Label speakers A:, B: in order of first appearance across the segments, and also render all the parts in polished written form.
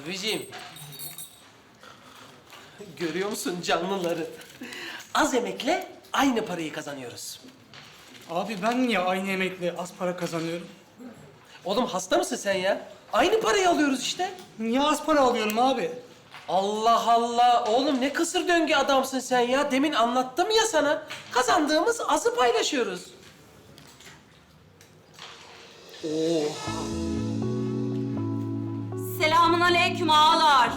A: Abiciğim. Görüyor musun canlıları? Az emekle aynı parayı kazanıyoruz.
B: Abi ben niye aynı emekle az para kazanıyorum?
A: Oğlum hasta mısın sen ya? Aynı parayı alıyoruz işte.
B: Niye az para alıyorum abi?
A: Allah Allah! Oğlum ne kısır döngü adamsın sen ya. Demin anlattım ya sana. Kazandığımız azı paylaşıyoruz.
C: Selamun aleyküm ağalar.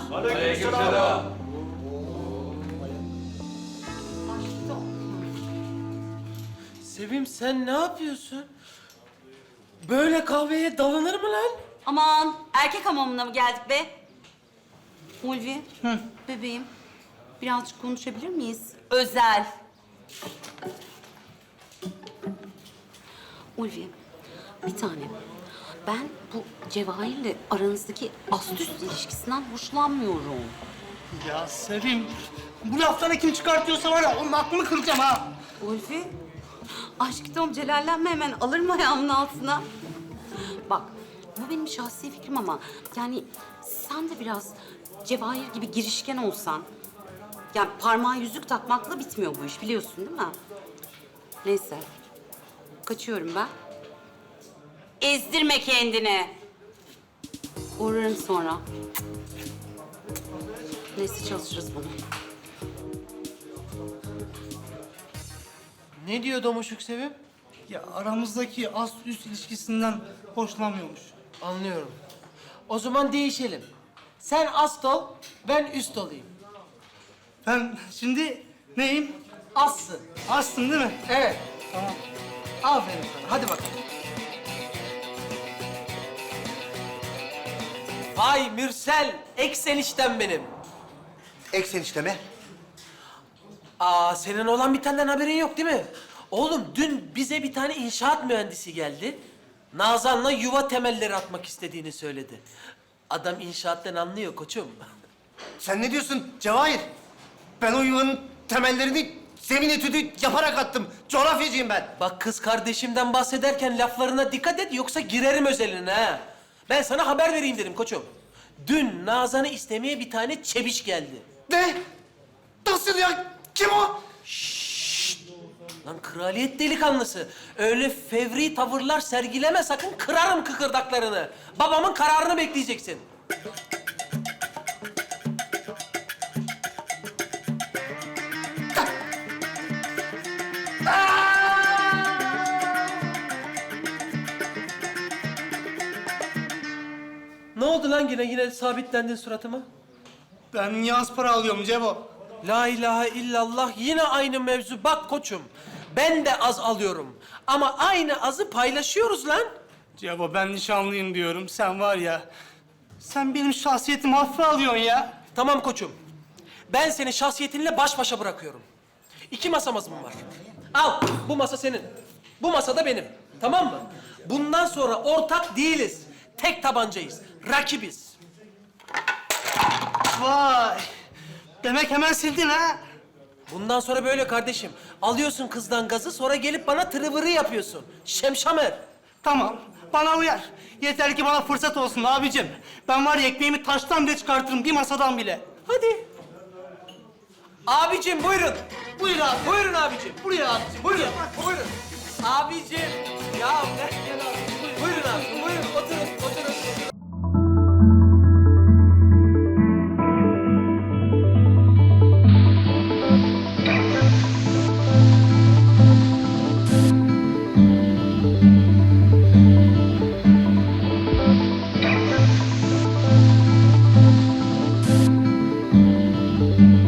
A: Sevim sen ne yapıyorsun? Böyle kahveye dalınır mı lan?
C: Aman erkek hamamına mı geldik be? Ulvi, bebeğim birazcık konuşabilir miyiz? Özel. Ulvi, bir tane. Ben bu Cevahir'le aranızdaki ast-üst ilişkisinden hoşlanmıyorum.
B: Ya Sevim, bu lafları kim çıkartıyorsa var ya onun aklını kıracağım ha.
C: Ulvi, aşk Tom celallenme hemen alır mı ayağımın altına? Bak, bu benim şahsi fikrim ama yani sen de biraz Cevahir gibi girişken olsan... Yani parmağa yüzük takmakla bitmiyor bu iş biliyorsun değil mi? Neyse, kaçıyorum ben. Ezdirme kendini. Uğrarım sonra. Neyse çalışırız bunu.
A: Ne diyor Domuşuk Sevim?
B: Ya aramızdaki ast-üst ilişkisinden hoşlanmıyormuş.
A: Anlıyorum. O zaman değişelim. Sen ast ol, ben üst olayım.
B: Ben şimdi neyim?
A: Assın.
B: Astım değil mi?
A: Evet.
B: Tamam.
A: Aferin sana. Hadi bakalım. Vay Mürsel, eksenişten benim.
D: Eksen mi?
A: Aa, senin olan bitenden haberin yok değil mi? Oğlum dün bize bir tane inşaat mühendisi geldi. Nazan'la yuva temelleri atmak istediğini söyledi. Adam inşaattan anlıyor koçum.
D: Sen ne diyorsun Cevahir? Ben o yuvanın temellerini zemin etüdü yaparak attım. Coğrafyacıyım ben.
A: Bak kız kardeşimden bahsederken laflarına dikkat et yoksa girerim özeline ha. Ben sana haber vereyim dedim koçum. Dün Nazan'ı istemeye bir tane çebiş geldi.
D: Ne? Nasıl ya? Kim o?
A: Lan kraliyet delikanlısı. Öyle fevri tavırlar sergileme sakın kırarım kıkırdaklarını. Babamın kararını bekleyeceksin. Ne oldu lan yine sabitlendin suratıma?
B: Ben niye az para alıyorum Cevo?
A: La ilahe illallah yine aynı mevzu. Bak koçum ben de az alıyorum. Ama aynı azı paylaşıyoruz lan.
B: Cevo ben nişanlıyım diyorum. Sen var ya, sen benim şahsiyetimi hafife alıyorsun ya.
A: Tamam koçum. Ben seni şahsiyetinle baş başa bırakıyorum. 2 masamız mı var? Al bu masa senin. Bu masa da benim. Tamam mı? Bundan sonra ortak değiliz. Tek tabancayız. Rakibiz.
B: Vay! Demek hemen sildin ha?
A: Bundan sonra böyle kardeşim. Alıyorsun kızdan gazı sonra gelip bana tırıvırı yapıyorsun. Şemşamer.
B: Tamam, bana uyar. Yeter ki bana fırsat olsun abicim. Ben var ya ekmeğimi taştan bile çıkartırım, bir masadan bile.
A: Hadi. Abicim buyurun.
B: Buyur abi.
A: Buyurun abicim.
B: Buraya abicim.
A: Buyurun. Buyurun. Abicim. Ya ne?